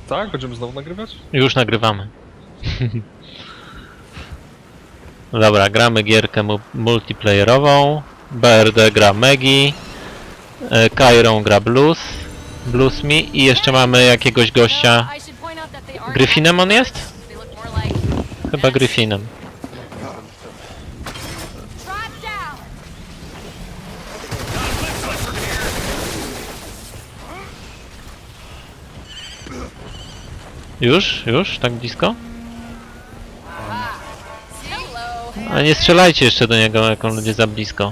Tak? Będziemy znowu nagrywać? Już nagrywamy. Dobra, gramy gierkę multiplayerową. BRD gra Megi. Kairon gra Blues Me i jeszcze mamy jakiegoś gościa. Gryfinem on jest? Chyba Gryfinem. Już? Tak blisko? A nie strzelajcie jeszcze do niego, jak on będzie za blisko.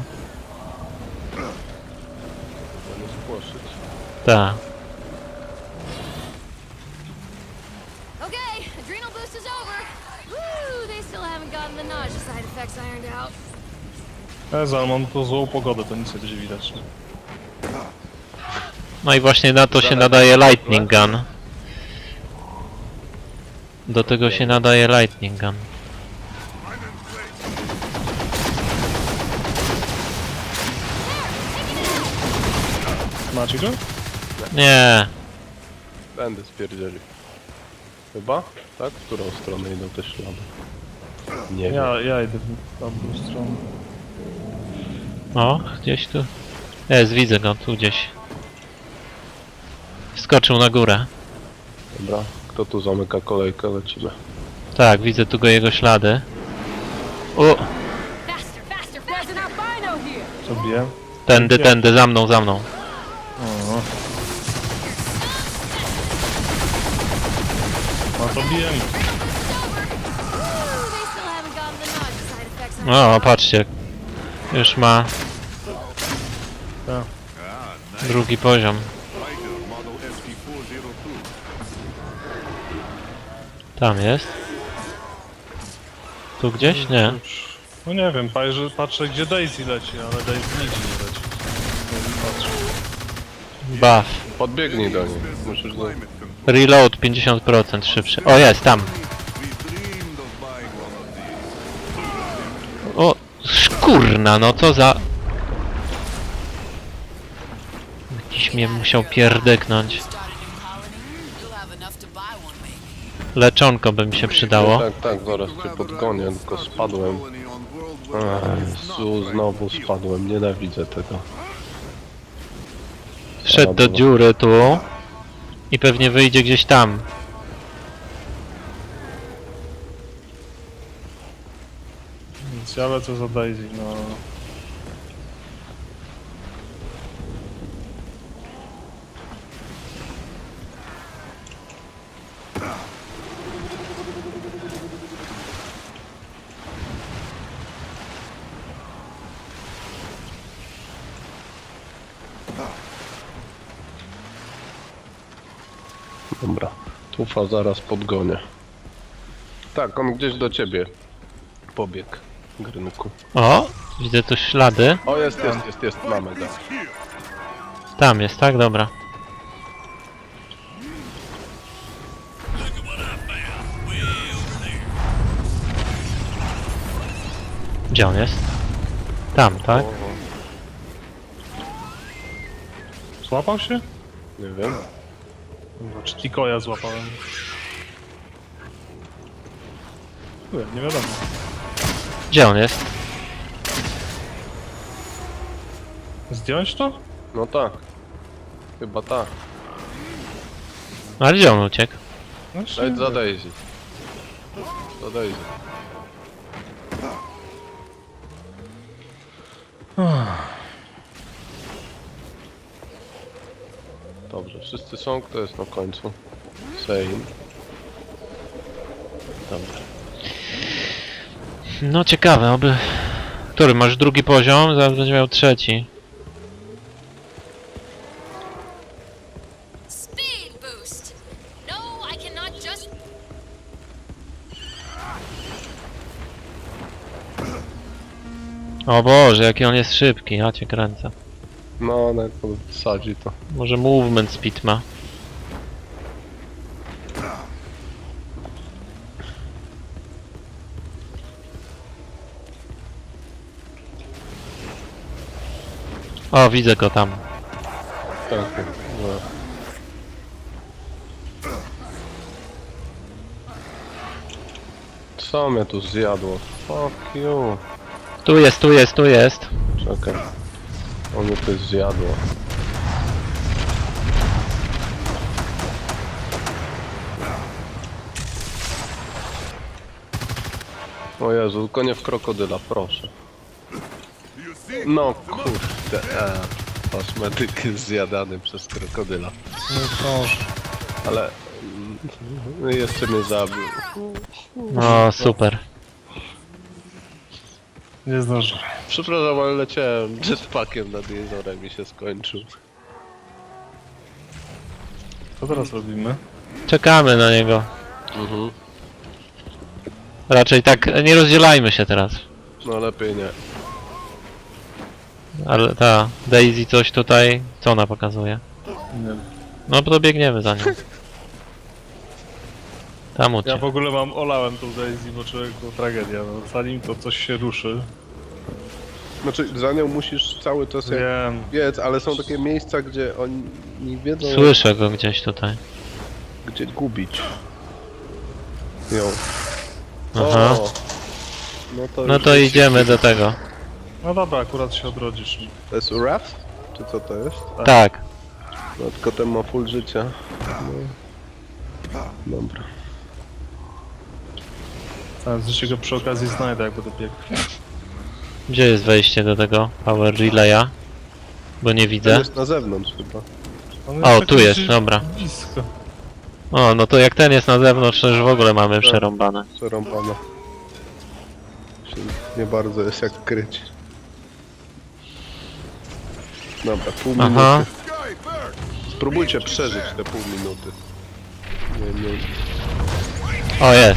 Tak. Ale mam to złą pogodę, to nic nie będzie widać. No i właśnie na to się nadaje Lightning Gun. Do tego się nadaje Lightning Gun. Macie go? Nie. Będę spierdzieli. Chyba? Tak? W którą stronę idą te ślady? Nie wiem. Ja idę w tamtą stronę. O, gdzieś tu. Jest, widzę go, tu gdzieś. Skoczył na górę. Dobra, kto tu zamyka kolejkę? Lecimy. Tak, widzę tu jego ślady. O! Co bije? Tędy, za mną. O. No to bijemy. O, patrzcie. Już ma Tak. drugi poziom. Tam jest. Tu gdzieś? Nie. No nie wiem, patrzę gdzie Daisy leci, ale Daisy nigdzie nie leci. Patrzę. Buff. Podbiegnij do niej. Musisz do... Reload 50% szybszy. O, jest, tam. O, szkurna, no co za... Jakiś mnie musiał pierdyknąć. Leczonko by mi się przydało. Tak, zaraz cię podgonię, tylko spadłem. Jezu, znowu spadłem, nienawidzę tego. Wszedł do dziury tu. I pewnie wyjdzie gdzieś tam. Więc ja lecę za Daisy, no. Dobra, tufa zaraz podgonię. Tak, on gdzieś do ciebie pobiegł, Grynku. O, widzę tu ślady. O, jest, mamy go. Tam jest, tak? Dobra. Gdzie on jest? Tam, tak? Złapał się? Nie wiem. Czy Tikoja złapałem? Nie wiadomo. Gdzie on jest? Zdjąć to? No tak. Chyba tak. Ale gdzie on uciekł? Lejdź za Daisy. Za Daisy. Dobrze, wszyscy są, kto jest na końcu? Same. Dobra. No ciekawe, oby... Który? Masz drugi poziom? Zaraz będzie miał trzeci. O Boże, jaki on jest szybki, ja cię kręcę. No, jak sadzi to. Może movement speed ma. O, widzę go tam. Tak, no. Co mnie tu zjadło? Fuck you. Tu jest, tu jest, tu jest. Czekaj. O mnie to zjadło. O Jezu, tylko nie w krokodyla, proszę. No kurde, kosmetyk jest zjadany przez krokodyla. No proszę. Ale... jeszcze mnie zabił. O, super. Nie zdążę. Przepraszam, ale leciałem jetpackiem nad jeziorem i się skończył. Co teraz robimy? Czekamy na niego. Mhm. Raczej tak, nie rozdzielajmy się teraz. No lepiej nie. Ale ta Daisy coś tutaj, co ona pokazuje? Nie wiem. No to biegniemy za nią. Tam Ja uciekł. w ogóle olałem tą Daisy, bo człowieku tragedia. No, zanim to coś się ruszy. Znaczy, za nią musisz cały czas jak Wiem. biec, ale są takie miejsca, gdzie oni nie wiedzą Słyszę go gdzieś tutaj. gdzie gubić ją. Aha. O, No już to jest- idziemy do tego. No dobra, akurat się odrodzisz. To jest Wrath? Czy co to jest? Tak. No tylko ten ma full życia. No. Dobra. Teraz się go przy okazji znajdę, jak będę biegł. Gdzie jest wejście do tego Power Relaya? Bo nie Ten widzę. jest na zewnątrz chyba. On O, tak tu jest, gdzieś dobra. Blisko. O, no to jak ten jest na zewnątrz, to już w ogóle mamy przerąbane. Przerąbane. Się nie bardzo jest jak kryć. Dobra, pół minuty. Aha. Spróbujcie przeżyć te pół minuty. Nie. O, jest.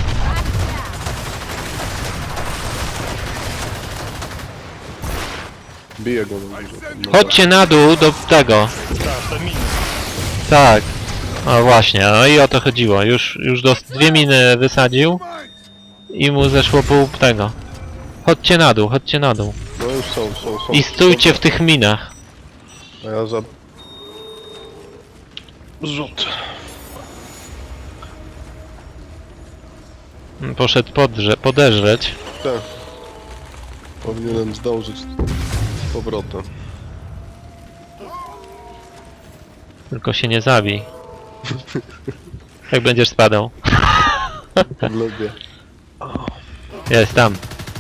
Biję go na górze. No Chodźcie na dół do tego. Tak, te miny. Tak. O właśnie, no i o to chodziło. Już dwie miny wysadził i mu zeszło pół tego. Chodźcie na dół, chodźcie na dół. No już są. I stójcie w tych minach. A ja za... Rzut. Poszedł podeżreć. Tak. Powinienem zdążyć z powrotem. Tylko się nie zabij. Jak będziesz spadał. Lubię. Jest tam.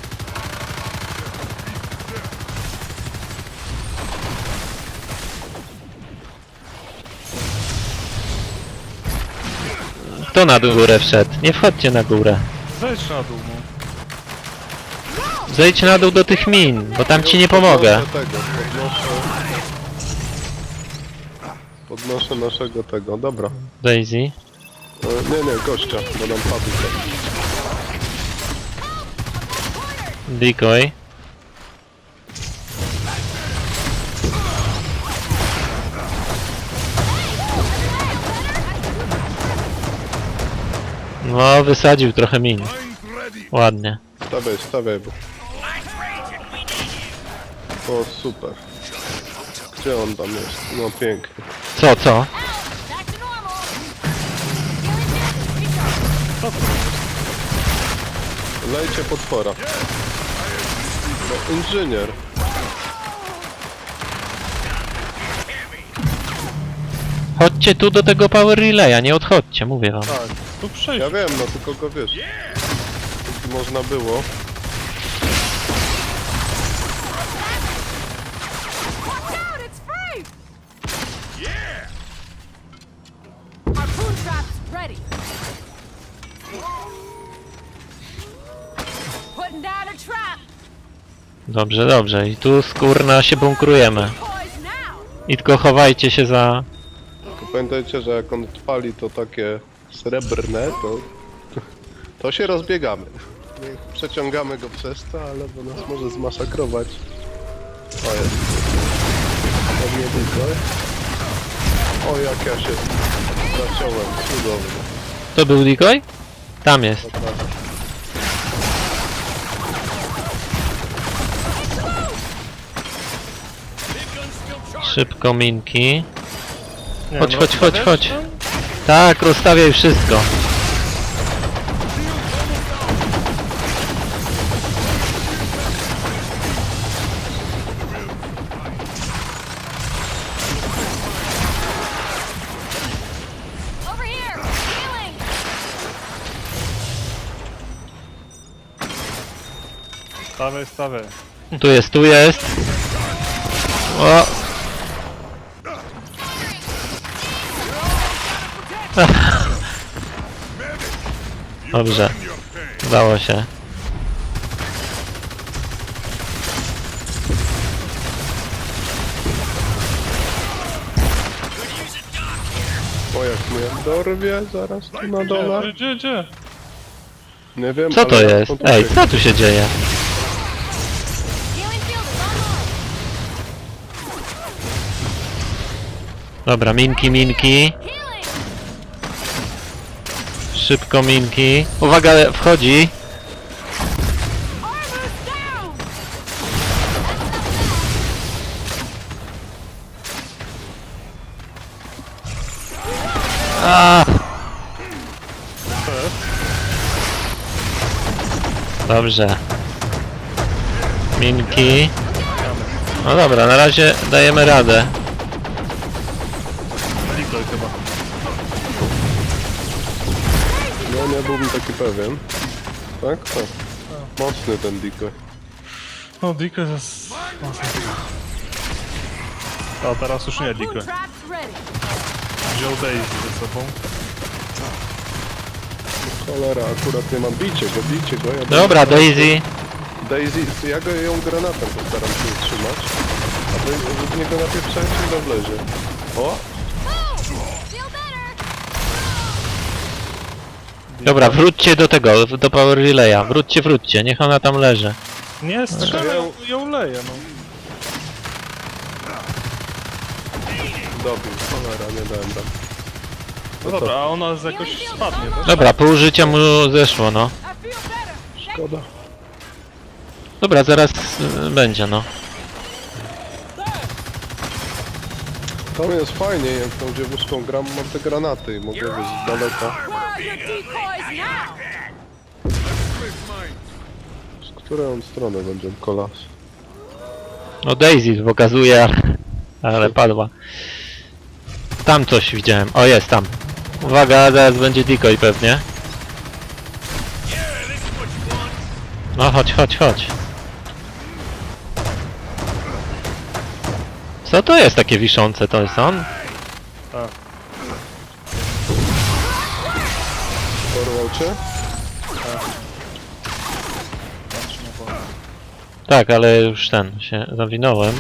Kto na górę wszedł? Nie wchodźcie na górę. Zejdź na dół, no. Zejdź na dół do tych min, bo tam ci nie pomogę. Podnoszę naszego tego, dobra. Daisy. Nie, gościa, bo nam padł ten. Decoy. No, wysadził trochę min. Ładnie. Stawiaj, bo... O, super. Gdzie on tam jest? No pięknie. Co? Back to normal. Lejcie potwora. No, inżynier. Chodźcie tu do tego Power Relaya, nie odchodźcie, mówię wam. Tak, Tu przejść. ja wiem, no tylko go wiesz. Jeśli można było. Watch out, it's free! Yeah! Harpoon trap's ready. Putting down a trap. Dobrze, dobrze. I tu skórna się bunkrujemy. Poise now. I tylko chowajcie się za... Tylko pamiętajcie, że jak on odpali to takie srebrne, to się rozbiegamy. Nie przeciągamy go przez to, ale bo nas może zmasakrować. O jest. Pewnie tylko. O jak ja się zaciąłem, cudownie. To był decoy? Tam jest. Naprawdę. Szybko minki. Nie, Chodź, no, chodź, chodź, stawiasz chodź. tam? Tak, rozstawiaj wszystko. Stawiaj, stawiaj. Tu jest, tu jest. O! Dobrze. Udało się. O, jak mnie dorwie zaraz tu na dole. Gdzie? Nie wiem, Co to ale jest? on tu Ej, biegnie. co tu się dzieje? Healing field is online. Dobra, minki, minki. Healing. Szybko minki. Uwaga, wchodzi. Armor's down. A! Dobrze. Minki. No dobra, na razie dajemy radę. Decoy chyba. No, nie byłbym taki pewien. Tak? Tak. Mocny ten decoy. No, decoy jest... A teraz już nie Harpoon decoy. traps ready. Wziął Daisy ze sobą. Cholera, akurat nie mam. Bijcie go, ja Dobra, Daisy. Daisy, ja go ją granatem postaram się utrzymać. A wy w niego napieprzajcie i do wlezie. O! Boom. Feel better. Dobra, wróćcie do tego, do Power Relaya. Wróćcie, niech ona tam leży. Nie, strzelaj, ją leje, no. Dobił, cholera, nie dałem tam. No dobra, a ona jakoś spadnie też? Dobra, pół życia mu zeszło, no. I feel better. Szkoda. Dobra, zaraz będzie, no. Tam jest fajnie, jak tą dziewuszką gram, mam te granaty i mogę wyjść z daleka. Where are your decoys now? Z której strony będzie kolas? No Daisy pokazuje, ale padła. Tam coś widziałem. O, jest tam. Uwaga, zaraz będzie decoy pewnie. No chodź. Co to jest takie wiszące? To jest on? Porwał cię? Tak, ale już ten, się zawinąłem.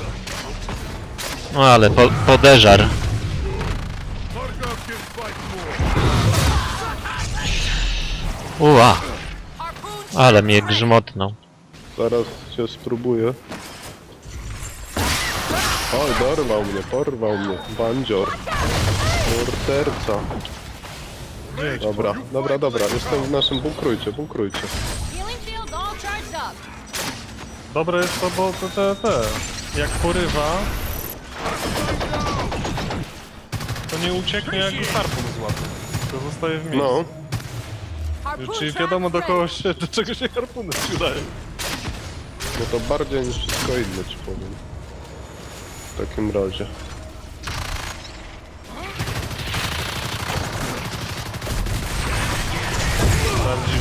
No ale podeżar. Ua, Harpoon ale mnie grzmotnął. Zaraz się spróbuję. Oj, porwał mnie. Bandzior. Morderca. Dobra, jestem w naszym bunkrujcie. healing field all charged up. Dobre jest to, bo te. Jak porywa... To nie ucieknie jak go harpun złapie. To zostaje w miejscu. No, Harpoon Czyli traps wiadomo do ready. czego się harpuny przydają. no to bardziej niż wszystko inne ci powiem. W takim razie. Bardziej.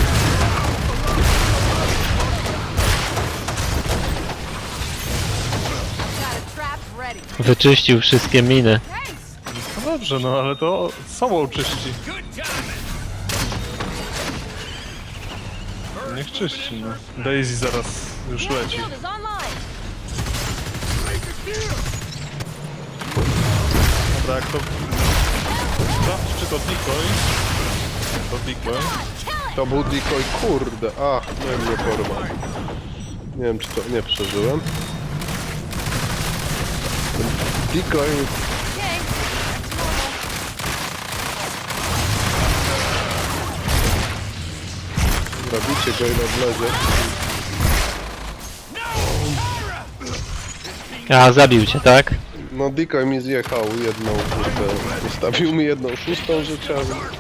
Got a trap ready. Wyczyścił wszystkie miny. Nice. No dobrze, no ale to sobą czyści. Niech czyści, no. Daisy zaraz już Healing leci. field is online. Dobra, jak to... Sprawdź, czy to decoy? To decoy. Kill it. To był decoy, kurde. Ach, nie mnie porwał. Nie wiem, czy to nie przeżyłem. Decoy, Okay. That's normal. zabicie go ile wlezie. A, zabił cię, tak? No decoy mi zjechał jedną, kurde. Zostawił mi 1/6 życia.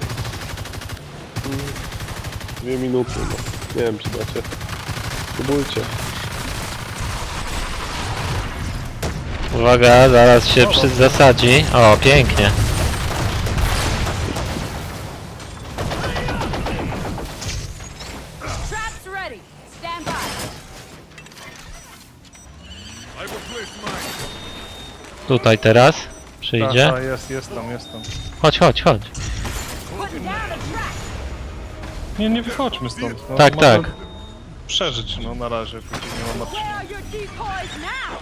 2 minuty, no. Nie wiem, czy dacie. Spróbujcie. Uwaga, zaraz się zasadzi. O, pięknie. Traps ready. Stand by. Tutaj teraz przyjdzie. Tak, jest tam. Chodź. Putting down the trap. Nie wychodźmy stąd. No, Tak, mamy tak. Przeżyć, no na razie, póki nie ma Marcina. Where are your decoys now?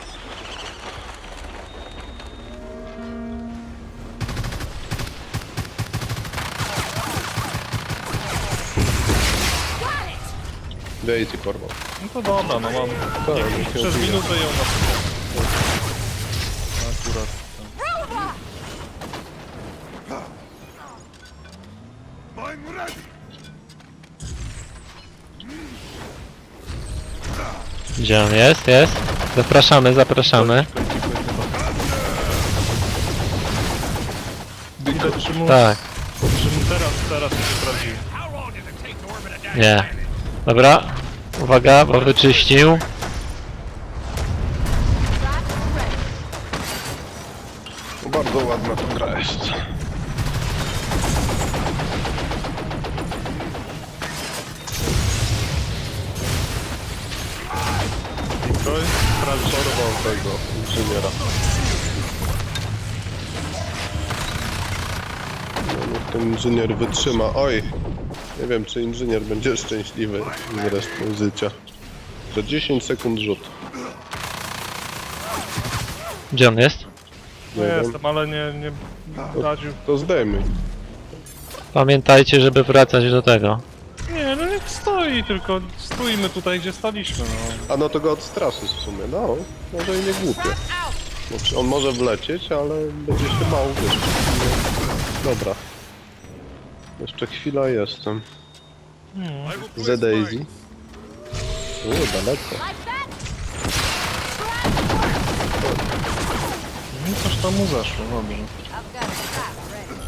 Got it. Daisy porwał. No to dobra, no mam. Tak, niech ją Przez bije. minutę ją na akurat. Rover. Gdzie on jest? Jest. Zapraszamy. Widać, czy mu, Tak, czy mu teraz się sprawdził. nie. Dobra. Uwaga, bo wyczyścił. Traps ready. Bardzo ładna ta gra jest. Decoy, sprawdź. Porwał tego inżyniera. No, niech ten inżynier wytrzyma. Oj! Nie wiem, czy inżynier będzie szczęśliwy z resztą życia. Za 10 sekund rzut. Gdzie on jest? No Nie wiem. jestem, ale nie radził. To zdejmij. Pamiętajcie, żeby wracać do tego. Nie, no niech stoi, tylko stoimy tutaj, gdzie staliśmy, no. A no to go odstraszysz w sumie. No, może i nie głupie. Trap out. Znaczy, on może wlecieć, ale będzie się mało wiesz. Dobra. Jeszcze chwila jestem. Z Daisy. Daleko. Like that. No coś tam mu zeszło, dobrze. I've got a trap ready.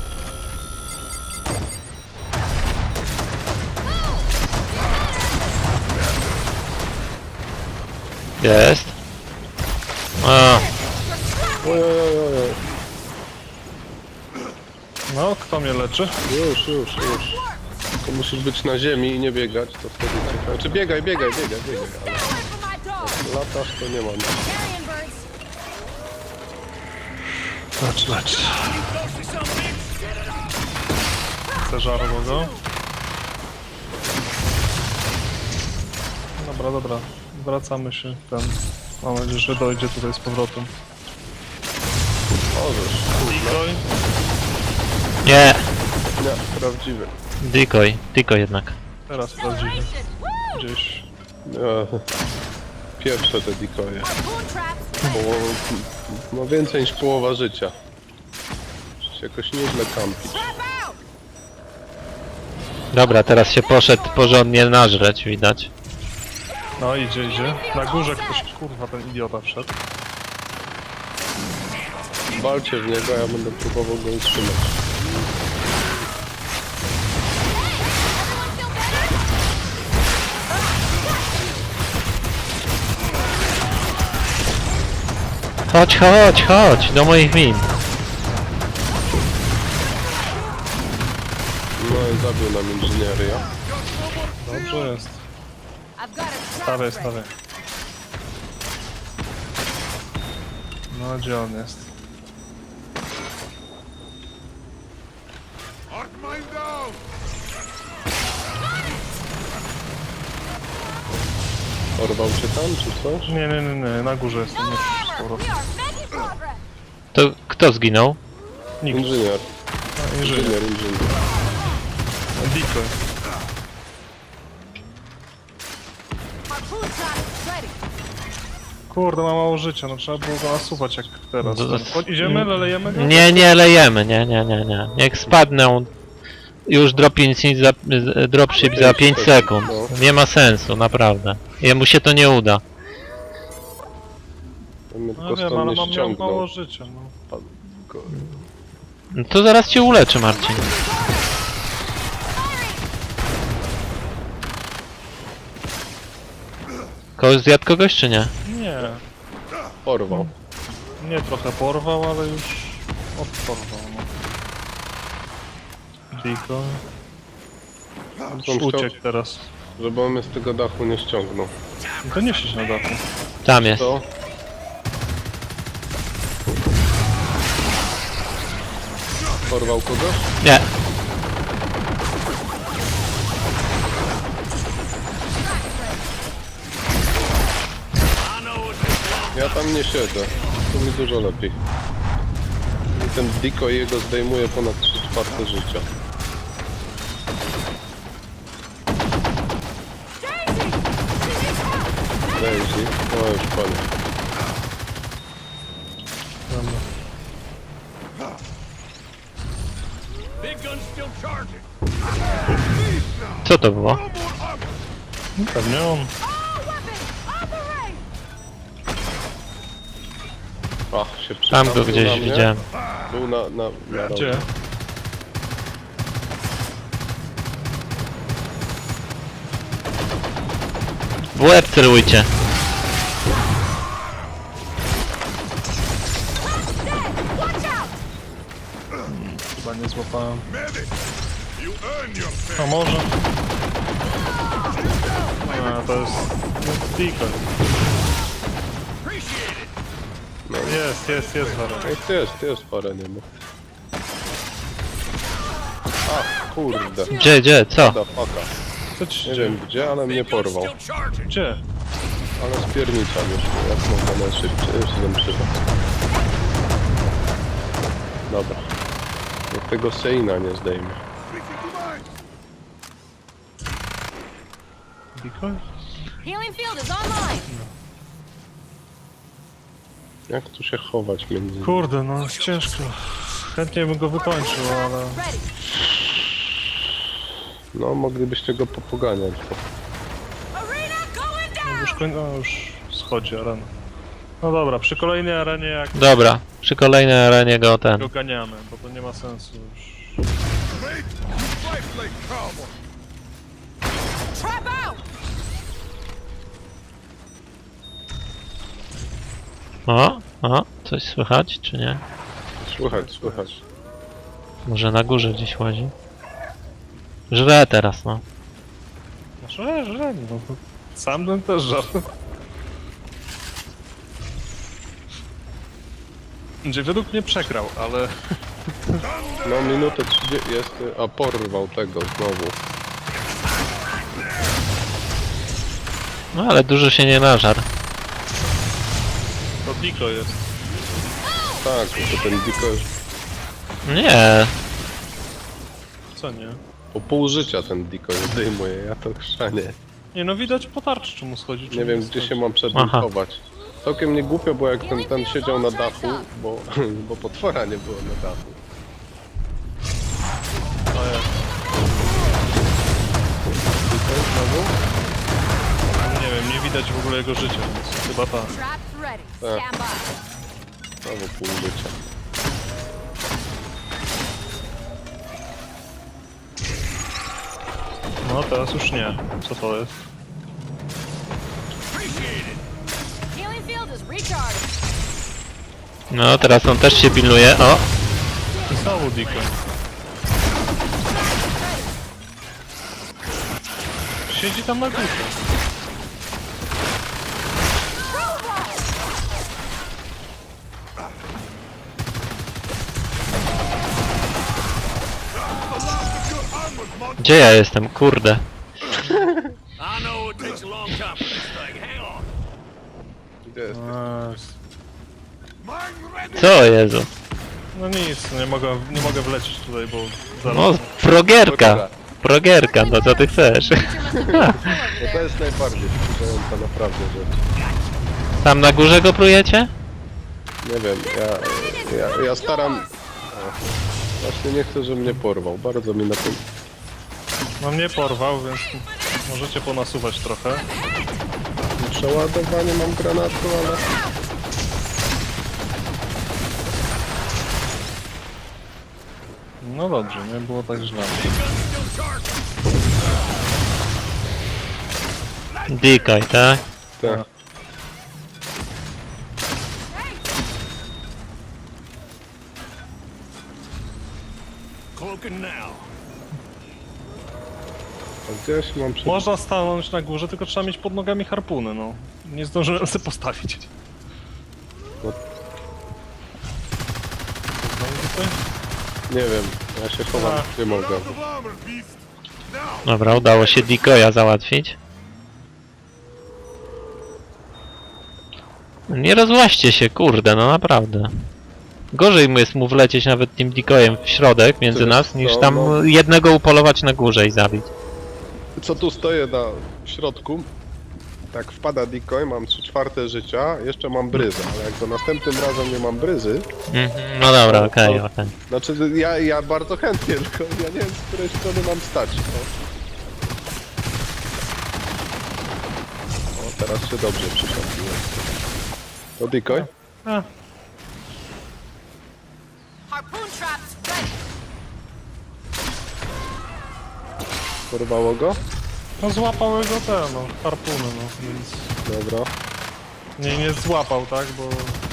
Jest. A, Ojojojoj. No, kto mnie leczy? Już. To musisz być na ziemi i nie biegać, to wtedy cię... Znaczy biegaj, Stay ale away from my dog. latasz to nie mam. Carrion birds. Lecz. Zeżarło go. Dobra. Wracamy się ten. Mam nadzieję, że dojdzie tutaj z powrotem. Możesz. Decoy. nie. Nie, prawdziwy. Decoy jednak. Teraz prawdziwy. Acceleration. Woo! Gdzieś. Nie. Pierwsze te decoje. Harpoon traps. Ma więcej niż połowa życia. Muszę się jakoś nieźle kampić. Trap out. Dobra, teraz się poszedł porządnie nażreć, widać. No idzie. Na górze ktoś, kurwa, ten idiota wszedł. Walcie w niego, a ja będę próbował go utrzymać. Everyone feel better? Chodź, do moich min. No i zabił nam inżynieria. Dobrze jest. I've got a trap Stawiaj. ready. No gdzie on jest? Porwał cię tam, czy coś? Nie, na górze jest. No Nie, z armor. powrotem. We are making progress. To kto zginął? Nikt. Inżynier. Inżynier. Inżynier. Decoy. Harpoon traps ready. Kurde, ma mało życia, no trzeba było go nasuwać jak teraz. Chodź, idziemy, lejemy go? Nie lejemy, nie. Niech spadną. Już dropship za 5 sekund. Nie ma sensu, naprawdę. Jemu się to nie uda. On mnie No tylko wiem, stąd ale nie mam ściągnął. mało życia, no. No to zaraz cię uleczy, Marcin. Zjadł kogoś czy nie? Porwał. Nie, trochę porwał, ale już odporwał, no. Decoy. On chciał, Uciekł teraz. żeby on mnie z tego dachu nie ściągnął. No to nie siedź na dachu. Tam jest. To? Porwał kogoś? Nie. Ja tam nie siedzę. To mi dużo lepiej. I ten decoy jego zdejmuje ponad 3/4 życia. Daisy! She needs help! Daisy, no już panie. Dobra. Co to było? Pewnie on. All weapons, operate! Ach, się Tam go przytrafił gdzieś na mnie. widziałem. Był na Gdzie? W łeb celujcie. Dead! Watch out! Chyba nie złapałem. A może? A, to jest... decoy. No. Jest Wara. Jest parę, nie ma. Ach, kurde. Gdzie, co? Da faka. Co ci się Nie dzieje? wiem gdzie, ale mnie porwał. Gdzie? Ale spierniczam już, jak można najszybciej, już się przyda. Dobra. Jak tego Seina nie zdejmie. Decoy? Healing field is online! Jak tu się chować między... Kurde, no ciężko. Chętnie bym go wykończył, ale... Ready! No, moglibyście go popoganiać, bo... Arena going down! Już schodzi arena. No dobra, przy kolejnej arenie jak Dobra, przy kolejnej arenie go ten. go ganiamy, bo to nie ma sensu już. Trap out! O, coś słychać, czy nie? Słychać. Może na górze gdzieś łazi. Żre teraz, no. No że, no. Sam bym też żarł. Gdzie według mnie przegrał, ale... No, minutę 30 jest... A, porwał tego znowu. No ale dużo się nie nażar. To Diko jest. Tak, to ten Diko już... Nie, Co nie? Po pół życia ten Diko zdejmuje, ja to chrzanie. Nie no widać po tarczy czemu schodzi. Nie czemu wiem, nie gdzie się schodzi. mam przed nim Aha. chować. Całkiem nie głupio, bo jak ten siedział na dachu, bo potwora nie było na dachu. O jest. Diko znowu? Nie wiem, nie widać w ogóle jego życia, więc chyba tak. Traps ready. Stand by. Znowu pół życia. No teraz już nie. Co to jest? Healing field is recharged. no teraz on też się pilnuje. O, I znowu Diko. Siedzi tam na górze. gdzie ja jestem? Kurde. Gdzie jest? Co, Jezu? No nic, nie mogę wlecieć tutaj, bo zaraz... No, progierka. Progierka, no co ty chcesz? No to jest najbardziej wkurzająca naprawdę rzecz. Tam na górze go prujecie? Nie wiem, ja staram... O, właśnie nie chcę, żeby mnie porwał, bardzo mi na tym... No mnie porwał, więc możecie ponasuwać trochę. Przeładowanie mam granatu, ale... No dobrze, nie było tak źle. Decoy, tak? Tak. A gdzieś mam przed... Można stanąć na górze, tylko trzeba mieć pod nogami harpuny, no. Nie zdążyłem sobie postawić. No. Znowu tutaj? Nie wiem, ja się chowam, gdzie mogę. Dobra, udało się decoya załatwić. Nie rozłaście się, kurde, no naprawdę. Gorzej mu jest mu wlecieć nawet tym decoyem w środek między Wiesz nas, niż co, tam no. jednego upolować na górze i zabić. Co tu stoję na środku? Tak wpada decoy, mam 3/4 życia, jeszcze mam bryzę, ale jak to następnym razem nie mam bryzy, Mhm, no dobra, okej, okej. znaczy ja bardzo chętnie, tylko ja nie wiem z której strony mam stać. O, teraz się dobrze przyszedłem. To decoy? A, Harpoon traps ready. Porwało go? no złapały go te, no, harpuny, no, więc... Dobra. Nie złapał, tak, bo...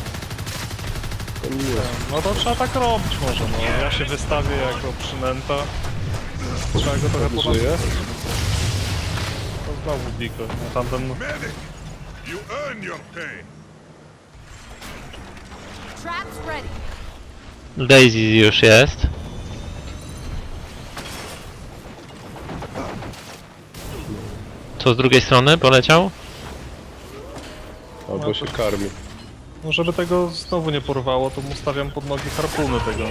To nie. No to trzeba tak robić może, no. Ja się wystawię jako przynęta. Trzeba go trochę Żyje? podać. To znowu Diko, no tamten... Medic, you earn your pay. Traps ready. Daisy już jest. Co z drugiej strony poleciał? Albo się karmi. No żeby tego znowu nie porwało, to mu stawiam pod nogi harpuny tego.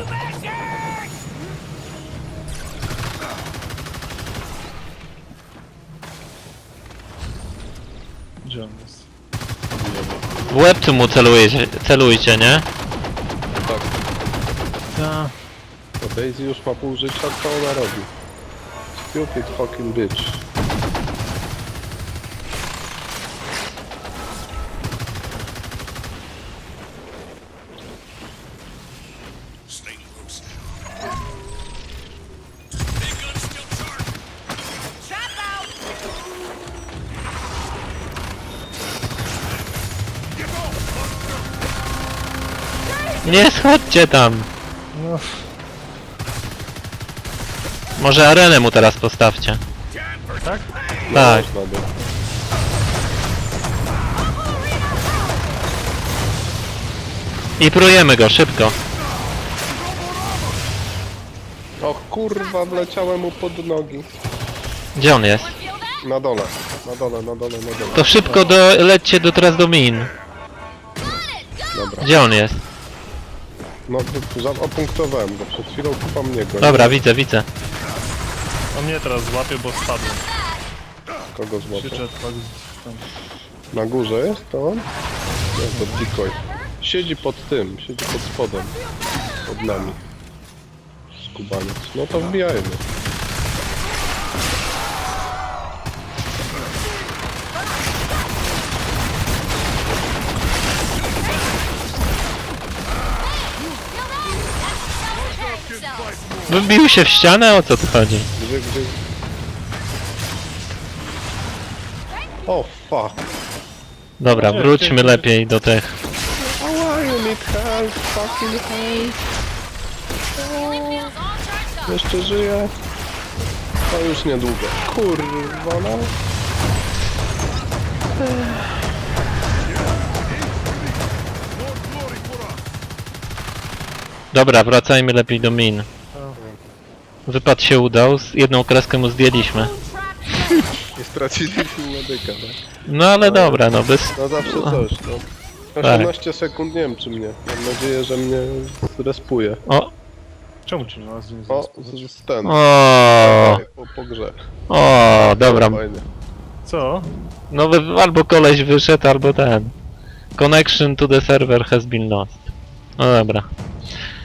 Gdzie on jest? W łebcu mu celujcie, nie? Tak. Ja. To Daisy już ma pół życia, co ona robi? Stupid fucking bitch. Stay close. Trap out. Nie schodźcie tam! No, Może arenę mu teraz postawcie. tak? Tak. Można by. I prujemy go, szybko. O kurwa, wleciałem mu pod nogi. Gdzie on jest? Feel that? Na dole, na dole, na dole, na dole. To szybko lećcie teraz do min. Dobra. Gdzie on jest? No, opunktowałem go, przed chwilą chyba mnie go. Dobra, widzę. On mnie teraz złapie, bo spadłem. Kogo Się złapał? jetpack tam. Na górze jest to on? Nie, to decoy. Siedzi pod tym, siedzi pod spodem. Pod nami. Skubaniec. No to wbijajmy. Wybił się w ścianę? O co tu chodzi? Gdzie? O, fuck. Dobra, wróćmy lepiej do tych. Ała, you need help, fucking help. Healing field's all charged up. Jeszcze żyje. To już niedługo. Kurwa, no. Dobra, wracajmy lepiej do min. Wypad się udał, jedną kreskę mu zdjęliśmy. Harpoon trap ready. I straciliśmy medyka, tak? No ale dobra, no bez... No zawsze coś, no. 18 sekund, nie wiem czy mnie. Mam nadzieję, że mnie zrespuje. O, Czemu ci nas nie O, zrespuje? z ten. o, Po grze. o, dobra. Fajnie. Co? No albo koleś wyszedł, albo ten. Connection to the server has been lost. No dobra.